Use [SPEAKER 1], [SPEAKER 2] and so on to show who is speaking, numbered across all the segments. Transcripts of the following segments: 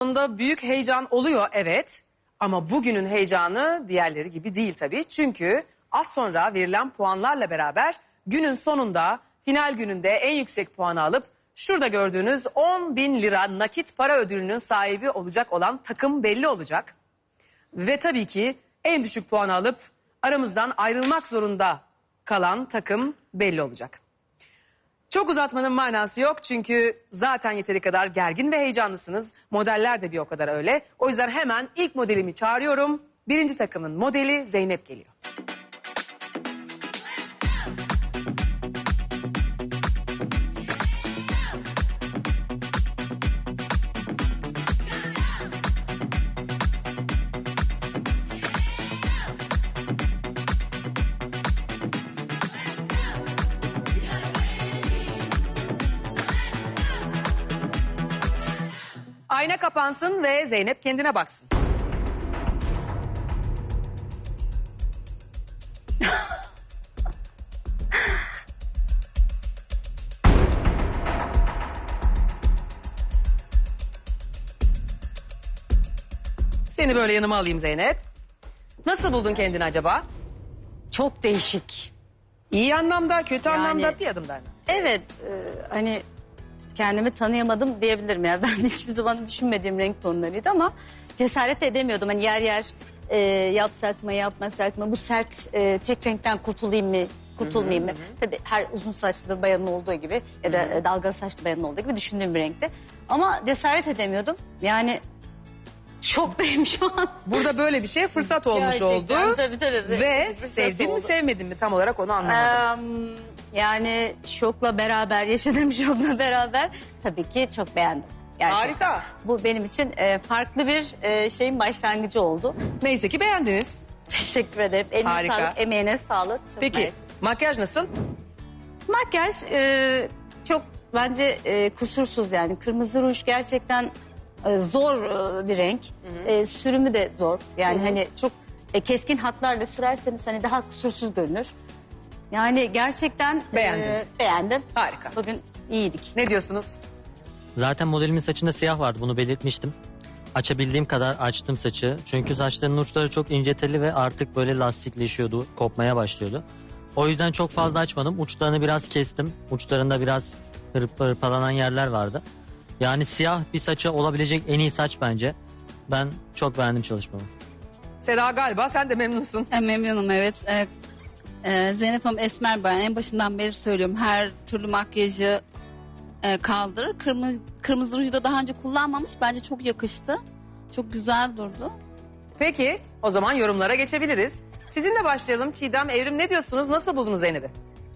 [SPEAKER 1] sonunda büyük heyecan oluyor, evet. Ama bugünün heyecanı diğerleri gibi değil tabii. Çünkü az sonra verilen puanlarla beraber günün sonunda, final gününde en yüksek puanı alıp şurada gördüğünüz 10.000 lira nakit para ödülünün sahibi olacak olan takım belli olacak. Ve tabii ki en düşük puanı alıp aramızdan ayrılmak zorunda kalan takım belli olacak. Çok uzatmanın manası yok çünkü zaten yeteri kadar gergin ve heyecanlısınız. Modeller de bir o kadar öyle. O yüzden hemen ilk modelimi çağırıyorum. Birinci takımın modeli Zeynep geliyor. Ayna kapansın ve Zeynep kendine baksın. Seni böyle yanıma alayım Zeynep. Nasıl buldun kendini acaba?
[SPEAKER 2] Çok değişik.
[SPEAKER 1] İyi anlamda, kötü
[SPEAKER 2] Yani-
[SPEAKER 1] anlamda, bir adımdan.
[SPEAKER 2] Evet, hani kendimi tanıyamadım diyebilirim ya. Ben hiçbir zaman düşünmediğim renk tonlarıydı ama cesaret edemiyordum. Hani yer yer yapsak mı yapmasak mı, bu sert tek renkten kurtulayım mı kurtulmayayım mı? Tabii her uzun saçlı bayanın olduğu gibi ya da dalgalı saçlı bayanın olduğu gibi düşündüğüm bir renkti. Ama cesaret edemiyordum. Yani şoktayım şu an.
[SPEAKER 1] Burada böyle bir şeye fırsat olmuş
[SPEAKER 2] Gerçekten,
[SPEAKER 1] oldu.
[SPEAKER 2] tabii.
[SPEAKER 1] Ve
[SPEAKER 2] Fırsat
[SPEAKER 1] sevdin mi
[SPEAKER 2] oldu.
[SPEAKER 1] sevmedin mi tam olarak onu anlamadım.
[SPEAKER 2] Yani şokla beraber, yaşadığım şokla beraber tabii ki çok beğendim. Gerçekten.
[SPEAKER 1] Harika.
[SPEAKER 2] Bu benim için farklı bir şeyin başlangıcı oldu.
[SPEAKER 1] Neyse ki beğendiniz.
[SPEAKER 2] Teşekkür ederim. Eline
[SPEAKER 1] Harika.
[SPEAKER 2] sağlık, emeğine sağlık. Çok
[SPEAKER 1] Peki
[SPEAKER 2] nice.
[SPEAKER 1] makyaj nasıl?
[SPEAKER 2] Makyaj çok bence kusursuz yani. Kırmızı ruj gerçekten zor bir renk. Sürümü de zor. Yani hani çok keskin hatlarla sürerseniz hani daha kusursuz görünür. Yani gerçekten
[SPEAKER 1] Beğendin.
[SPEAKER 2] beğendim.
[SPEAKER 1] Harika.
[SPEAKER 2] Bugün iyiydik.
[SPEAKER 1] Ne diyorsunuz?
[SPEAKER 3] Zaten modelimin saçında siyah vardı, bunu belirtmiştim. Açabildiğim kadar açtım saçı. Çünkü saçların uçları çok ince telli ve artık böyle lastikleşiyordu, kopmaya başlıyordu. O yüzden çok fazla açmadım. Uçlarını biraz kestim. Uçlarında biraz hırpalanan yerler vardı. Yani siyah bir saça olabilecek en iyi saç bence. Ben çok beğendim çalışmamı.
[SPEAKER 1] Seda galiba sen de memnunsun.
[SPEAKER 4] Memnunum, evet. Zeynep Hanım esmer bayan. En başından beri söylüyorum. Her türlü makyajı kaldırır. Kırmızı ruju da daha önce kullanmamış. Bence çok yakıştı. Çok güzel durdu.
[SPEAKER 1] Peki o zaman yorumlara geçebiliriz. Sizinle başlayalım. Çiğdem, Evrim ne diyorsunuz? Nasıl buldunuz Zeynep'i?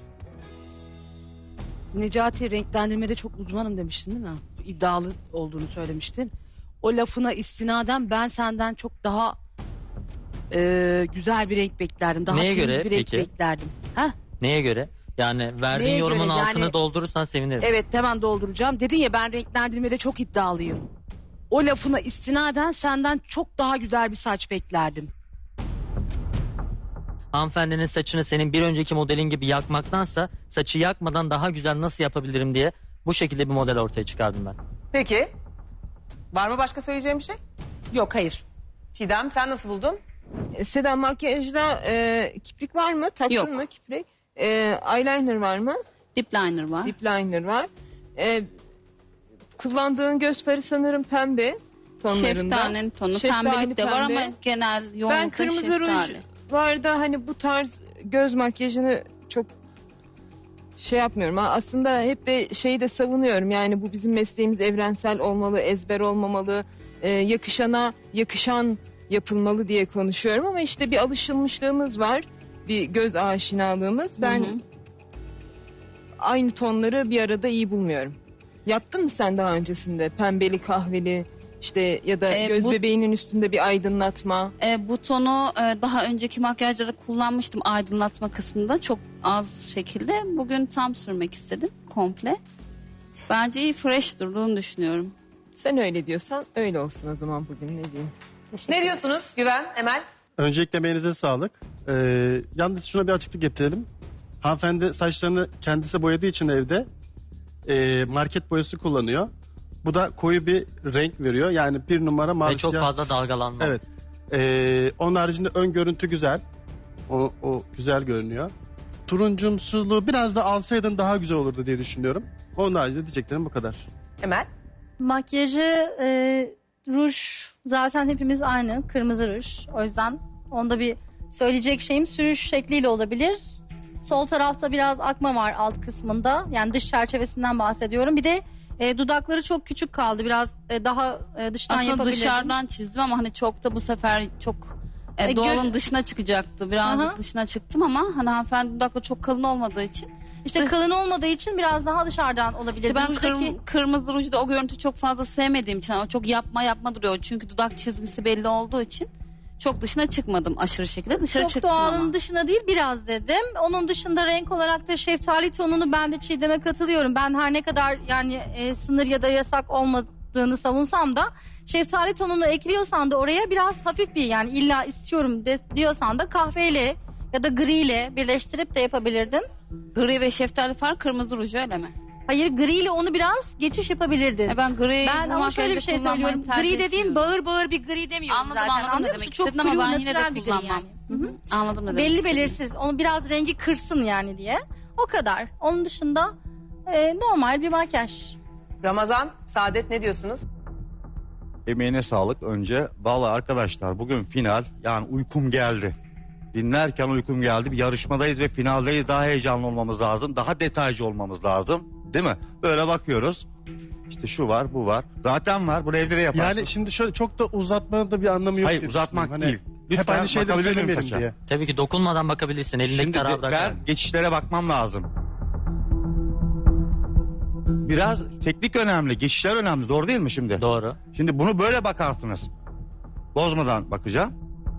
[SPEAKER 5] Necati, renklendirmede çok uzmanım demiştin değil mi? İddialı olduğunu söylemiştin. O lafına istinaden ben senden çok daha güzel bir renk beklerdim. Daha
[SPEAKER 3] Neye
[SPEAKER 5] temiz
[SPEAKER 3] göre
[SPEAKER 5] bir renk
[SPEAKER 3] peki?
[SPEAKER 5] beklerdim. Ha?
[SPEAKER 3] Neye göre? Yani verdiğin
[SPEAKER 5] Neye
[SPEAKER 3] yorumun
[SPEAKER 5] göre?
[SPEAKER 3] altını
[SPEAKER 5] Yani-
[SPEAKER 3] doldurursan sevinirim.
[SPEAKER 5] Evet, hemen dolduracağım. Dedin ya, ben renklendirmede çok iddialıyım. O lafına istinaden senden çok daha güzel bir saç beklerdim.
[SPEAKER 3] Hanımefendinin saçını senin bir önceki modelin gibi yakmaktansa saçı yakmadan daha güzel nasıl yapabilirim diye bu şekilde bir model ortaya çıkardım ben.
[SPEAKER 1] Peki. Var mı başka söyleyeceğim bir şey?
[SPEAKER 5] Yok, hayır.
[SPEAKER 1] Çiğdem sen nasıl buldun?
[SPEAKER 6] Seda, makyajda kiprik var mı? Taktın
[SPEAKER 4] Yok.
[SPEAKER 6] mı kiprik? Eyeliner var mı?
[SPEAKER 4] Dip liner var.
[SPEAKER 6] Lip liner var. Kullandığın göz farı sanırım pembe tonlarında.
[SPEAKER 4] Şeftali'nin tonu.
[SPEAKER 6] Şeftali
[SPEAKER 4] Pembelik de var
[SPEAKER 6] pembe.
[SPEAKER 4] ama genel
[SPEAKER 6] Ben
[SPEAKER 4] yoğunlukta
[SPEAKER 6] kırmızı ruj
[SPEAKER 4] şeftali.
[SPEAKER 6] var da hani bu tarz göz makyajını çok şey yapmıyorum. Aslında hep de şeyi de savunuyorum. Yani bu bizim mesleğimiz evrensel olmalı, ezber olmamalı, yakışana yakışan yapılmalı diye konuşuyorum. Ama işte bir alışılmışlığımız var, bir göz aşinalığımız. Ben aynı tonları bir arada iyi bulmuyorum. Yaptın mı sen daha öncesinde pembeli, kahveli işte ya da göz
[SPEAKER 4] bu-
[SPEAKER 6] bebeğinin üstünde bir aydınlatma?
[SPEAKER 4] Bu tonu daha önceki makyajları kullanmıştım aydınlatma kısmında. Çok az şekilde. Bugün tam sürmek istedim komple. Bence iyi, fresh durduğunu düşünüyorum.
[SPEAKER 6] Sen öyle diyorsan öyle olsun o zaman bugün, ne diyeyim.
[SPEAKER 1] Ne diyorsunuz Güven, Emel?
[SPEAKER 7] Öncelikle emeğinize sağlık. Yalnız şuna bir açıklık getirelim. Hanımefendi saçlarını kendisi boyadığı için evde market boyası kullanıyor. Bu da koyu bir renk veriyor. Yani 1 numara mavi
[SPEAKER 3] Ve çok
[SPEAKER 7] siyah.
[SPEAKER 3] fazla dalgalanma.
[SPEAKER 7] Evet. Onun haricinde ön görüntü güzel. O güzel görünüyor. Turuncumsuluğu biraz da alsaydın daha güzel olurdu diye düşünüyorum. Onun haricinde diyeceklerim bu kadar.
[SPEAKER 1] Emel.
[SPEAKER 2] Makyajı, ruj zaten hepimiz aynı. Kırmızı ruj. O yüzden onda bir söyleyecek şeyim sürüş şekliyle olabilir. Sol tarafta biraz akma var alt kısmında. Yani dış çerçevesinden bahsediyorum. Bir de dudakları çok küçük kaldı. Biraz daha dıştan
[SPEAKER 4] Aslında
[SPEAKER 2] yapabilirdim.
[SPEAKER 4] dışarıdan çizdim ama hani çok da bu sefer çok
[SPEAKER 2] E,
[SPEAKER 4] doğalın dışına çıkacaktı. Birazcık
[SPEAKER 2] Aha.
[SPEAKER 4] dışına çıktım ama hani hanımefendi dudakları çok kalın olmadığı için.
[SPEAKER 2] İşte kalın olmadığı için biraz daha dışarıdan olabilir.
[SPEAKER 4] İşte ben
[SPEAKER 2] Rujdaki-
[SPEAKER 4] kırmızı rujda o görüntü çok fazla sevmediğim için ama çok yapma duruyor. Çünkü dudak çizgisi belli olduğu için çok dışına çıkmadım aşırı şekilde. Dışarı
[SPEAKER 2] Çok
[SPEAKER 4] çıktım
[SPEAKER 2] doğalın
[SPEAKER 4] ama.
[SPEAKER 2] dışına değil biraz dedim. Onun dışında renk olarak da şeftali tonunu ben de Çiğdem'e katılıyorum. Ben her ne kadar yani sınır ya da yasak olmadığını savunsam da şeftali tonunu ekliyorsan da oraya biraz hafif bir yani illa istiyorum diyorsan da kahveyle ya da griyle birleştirip de yapabilirdin.
[SPEAKER 4] Gri ve şeftali far kırmızı ruj öyle mi?
[SPEAKER 2] Hayır griyle onu biraz geçiş yapabilirdin.
[SPEAKER 4] Ben gri
[SPEAKER 2] Ben
[SPEAKER 4] bu
[SPEAKER 2] ama şöyle bir şey
[SPEAKER 4] makyajda
[SPEAKER 2] söylüyorum.
[SPEAKER 4] kullanmayı tercih
[SPEAKER 2] Gri dediğin
[SPEAKER 4] etmiyorum.
[SPEAKER 2] bağır bir gri demiyorum
[SPEAKER 4] Anladım
[SPEAKER 2] zaten.
[SPEAKER 4] anladım ne
[SPEAKER 2] Anlıyor
[SPEAKER 4] demek
[SPEAKER 2] musun? Çok
[SPEAKER 4] istedin ama
[SPEAKER 2] flu,
[SPEAKER 4] ben yine
[SPEAKER 2] natural
[SPEAKER 4] de
[SPEAKER 2] bir gri
[SPEAKER 4] kullanmam.
[SPEAKER 2] yani.
[SPEAKER 4] Hı hı. Anladım ne demek
[SPEAKER 2] Belli
[SPEAKER 4] istediğini.
[SPEAKER 2] belirsiz. Onu biraz rengi kırsın yani diye. O kadar. Onun dışında normal bir makyaj.
[SPEAKER 1] Ramazan, Saadet ne diyorsunuz?
[SPEAKER 8] Emeğine sağlık önce. Vallahi arkadaşlar bugün final, yani uykum geldi. Dinlerken uykum geldi. Bir yarışmadayız ve finaldeyiz. Daha heyecanlı olmamız lazım. Daha detaycı olmamız lazım. Değil mi? Böyle bakıyoruz. İşte şu var, bu var. Zaten var. Bunu evde de yaparsın.
[SPEAKER 7] Yani şimdi şöyle çok da uzatmanın da bir anlamı yok.
[SPEAKER 8] Hayır,
[SPEAKER 7] diye
[SPEAKER 8] uzatmak
[SPEAKER 7] düşünüyorum.
[SPEAKER 8] değil. Lütfen
[SPEAKER 7] hep aynı şeyleri
[SPEAKER 8] bakabilir miyim
[SPEAKER 7] söylemeyelim
[SPEAKER 8] saça?
[SPEAKER 7] diye.
[SPEAKER 3] Tabii ki dokunmadan bakabilirsin. Elindeki
[SPEAKER 8] Şimdi
[SPEAKER 3] tarağı
[SPEAKER 8] ben
[SPEAKER 3] bırak.
[SPEAKER 8] geçişlere bakmam lazım. Biraz teknik önemli, geçişler önemli. Doğru değil mi şimdi?
[SPEAKER 3] Doğru.
[SPEAKER 8] Şimdi bunu böyle bakarsınız. Bozmadan bakacağım.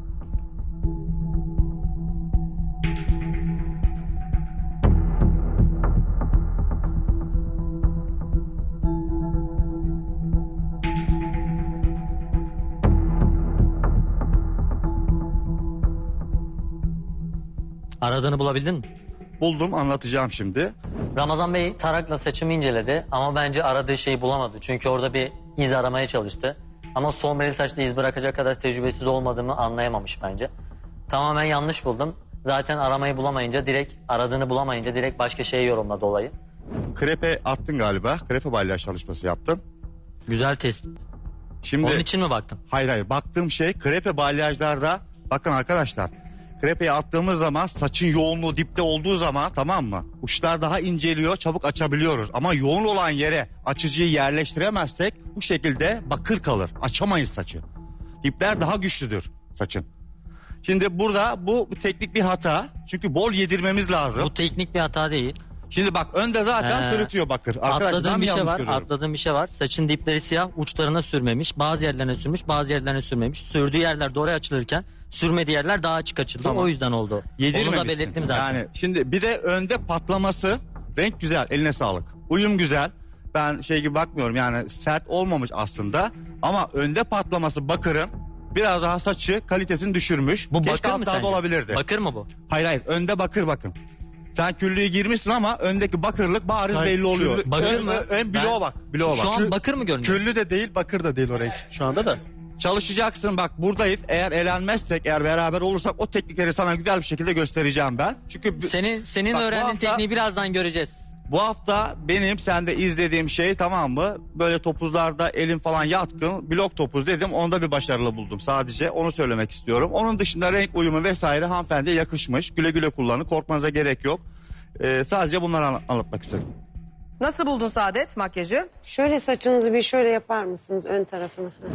[SPEAKER 3] Aradığını bulabildin mi?
[SPEAKER 8] Buldum, anlatacağım şimdi.
[SPEAKER 3] Ramazan Bey tarakla saçımı inceledi ama bence aradığı şeyi bulamadı. Çünkü orada bir iz aramaya çalıştı. Ama sombreli saçta iz bırakacak kadar tecrübesiz olmadığımı anlayamamış bence. Tamamen yanlış buldum. Zaten aramayı bulamayınca aradığını bulamayınca direkt başka şeye yorumladı olayı.
[SPEAKER 8] Krepe attın galiba. Krepe balyaj çalışması yaptın.
[SPEAKER 3] Güzel tespit.
[SPEAKER 8] Şimdi
[SPEAKER 3] Onun için mi baktın?
[SPEAKER 8] hayır baktığım şey krepe balyajlarda, bakın arkadaşlar, krepeyi attığımız zaman saçın yoğunluğu dipte olduğu zaman, tamam mı? Uçlar daha inceliyor, çabuk açabiliyoruz. Ama yoğun olan yere açıcıyı yerleştiremezsek bu şekilde bakır kalır. Açamayız saçı. Dipler daha güçlüdür saçın. Şimdi burada bu teknik bir hata. Çünkü bol yedirmemiz lazım.
[SPEAKER 3] Bu teknik bir hata değil.
[SPEAKER 8] Şimdi bak önde zaten sırıtıyor bakır. Arkadaşlar, ben
[SPEAKER 3] Atladığım
[SPEAKER 8] mi
[SPEAKER 3] bir şey
[SPEAKER 8] yanlış
[SPEAKER 3] var.
[SPEAKER 8] görüyorum?
[SPEAKER 3] Atladığım bir şey var. Saçın dipleri siyah, uçlarına sürmemiş. Bazı yerlerine sürmüş, bazı yerlerine sürmemiş. Sürdüğü yerler doğru açılırken sürmediği yerler daha açık açıldı.
[SPEAKER 8] Tamam.
[SPEAKER 3] O yüzden oldu. Onu da
[SPEAKER 8] Yedirmemişsin.
[SPEAKER 3] belirttim zaten.
[SPEAKER 8] Yani şimdi bir de önde patlaması, renk güzel, eline sağlık. Uyum güzel. Ben şey gibi bakmıyorum, yani sert olmamış aslında. Ama önde patlaması bakırın biraz daha saçı kalitesini düşürmüş.
[SPEAKER 3] Bu
[SPEAKER 8] Keşke
[SPEAKER 3] bakır mı
[SPEAKER 8] altlarda
[SPEAKER 3] sence?
[SPEAKER 8] olabilirdi.
[SPEAKER 3] Bakır mı bu?
[SPEAKER 8] Hayır önde bakır bakın. Sen küllüğü girmişsin ama öndeki bakırlık bariz
[SPEAKER 7] Hayır,
[SPEAKER 8] belli oluyor.
[SPEAKER 3] bakır mı?
[SPEAKER 8] Ön bloğa bak. Bloğa
[SPEAKER 3] Şu
[SPEAKER 8] bak.
[SPEAKER 3] an bakır mı görünüyor?
[SPEAKER 7] Küllü de değil, bakır da değil o renk şu anda da.
[SPEAKER 8] Çalışacaksın, bak buradayız. Eğer elenmezsek, eğer beraber olursak o teknikleri sana güzel bir şekilde göstereceğim ben. Çünkü
[SPEAKER 3] Senin
[SPEAKER 8] Bak, bu
[SPEAKER 3] öğrendiğin
[SPEAKER 8] hafta-
[SPEAKER 3] tekniği birazdan göreceğiz.
[SPEAKER 8] bu hafta benim sende izlediğim şey, tamam mı? Böyle topuzlarda elim falan yatkın. Blok topuz dedim. Onda bir başarılı buldum sadece. Onu söylemek istiyorum. Onun dışında renk uyumu vesaire hanımefendiye yakışmış. Güle güle kullanın. Korkmanıza gerek yok. Sadece bunları anlatmak istedim.
[SPEAKER 1] Nasıl buldun Saadet makyajı?
[SPEAKER 9] Şöyle saçınızı bir şöyle yapar mısınız ön tarafını? Heh.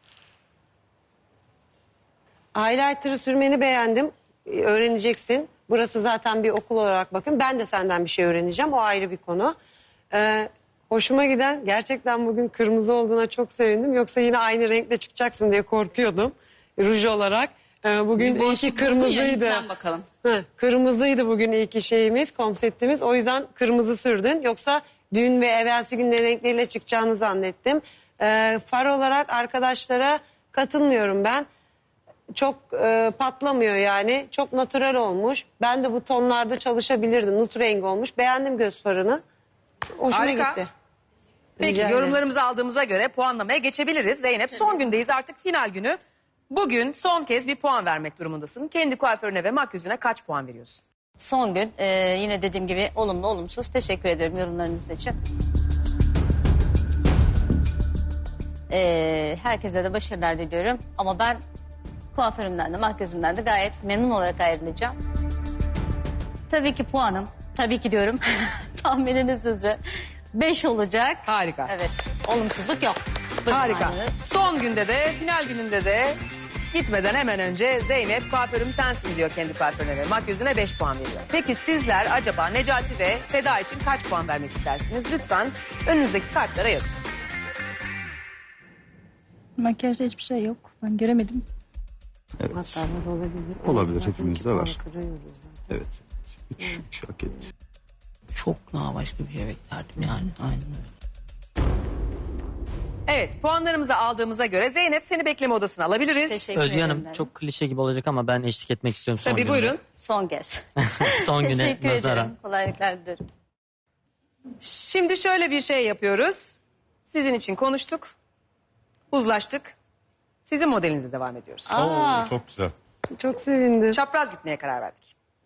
[SPEAKER 9] Highlighter'ı sürmeni beğendim. Öğreneceksin. Burası zaten bir okul olarak bakın. Ben de senden bir şey öğreneceğim. O ayrı bir konu. Hoşuma giden, gerçekten bugün kırmızı olduğuna çok sevindim. Yoksa yine aynı renkle çıkacaksın diye korkuyordum. Ruj olarak. Bugün iyi ki kırmızıydı.
[SPEAKER 4] Bakalım.
[SPEAKER 9] Kırmızıydı bugün iyi ki şeyimiz, konseptimiz. O yüzden kırmızı sürdün. Yoksa dün ve evvelsi günlerin renkleriyle çıkacağını zannettim. Far olarak arkadaşlara katılmıyorum ben. Çok patlamıyor yani. Çok natürel olmuş. Ben de bu tonlarda çalışabilirdim. Nut rengi olmuş. Beğendim göz farını. Hoşuma
[SPEAKER 1] Harika.
[SPEAKER 9] gitti.
[SPEAKER 1] Peki
[SPEAKER 9] Rica ederim.
[SPEAKER 1] yorumlarımızı aldığımıza göre puanlamaya geçebiliriz. Zeynep son gündeyiz artık final günü. Bugün son kez bir puan vermek durumundasın. Kendi kuaförüne ve makyözüne kaç puan veriyorsun?
[SPEAKER 2] Son gün yine dediğim gibi olumlu olumsuz teşekkür ederim yorumlarınız için. Herkese de başarılar diliyorum. Ama ben kuaförümden de makyözümden de gayet memnun olarak ayrılacağım. Tabii ki puanım, tabii ki diyorum tahmininiz üzere 5 olacak.
[SPEAKER 1] Harika.
[SPEAKER 2] Evet, olumsuzluk yok. Buyurun
[SPEAKER 1] Harika.
[SPEAKER 2] anneniz.
[SPEAKER 1] Son günde de final gününde de gitmeden hemen önce Zeynep kuaförüm sensin diyor kendi kuaförüne ve makyözüne 5 puan veriyor. Peki sizler acaba Necati ve Seda için kaç puan vermek istersiniz? Lütfen önünüzdeki kartlara yazın.
[SPEAKER 10] Makyajda hiçbir şey yok. Ben göremedim.
[SPEAKER 8] Evet.
[SPEAKER 9] Hastalar olabilir.
[SPEAKER 8] Olabilir,
[SPEAKER 9] Zaten
[SPEAKER 8] hepimizde
[SPEAKER 9] iki puan
[SPEAKER 8] var.
[SPEAKER 9] kırıyoruz zaten.
[SPEAKER 8] Evet. 3 hak etti.
[SPEAKER 11] Çok daha başka bir şey beklerdim yani. Aynen öyle.
[SPEAKER 1] Evet puanlarımızı aldığımıza göre Zeynep seni bekleme odasına alabiliriz.
[SPEAKER 2] Teşekkür
[SPEAKER 3] Özge
[SPEAKER 2] ederim.
[SPEAKER 3] Hanım çok klişe gibi olacak ama ben eşlik etmek istiyorum son
[SPEAKER 1] Tabii
[SPEAKER 3] günde.
[SPEAKER 1] buyurun.
[SPEAKER 2] Son kez.
[SPEAKER 3] Son güne
[SPEAKER 2] Teşekkür
[SPEAKER 3] nazaran.
[SPEAKER 2] ederim. Kolaylıklar dilerim.
[SPEAKER 1] Şimdi şöyle bir şey yapıyoruz. Sizin için konuştuk. Uzlaştık. Sizin modelinize devam ediyoruz.
[SPEAKER 8] Oo, çok güzel.
[SPEAKER 9] Çok sevindim.
[SPEAKER 1] Çapraz gitmeye karar verdik.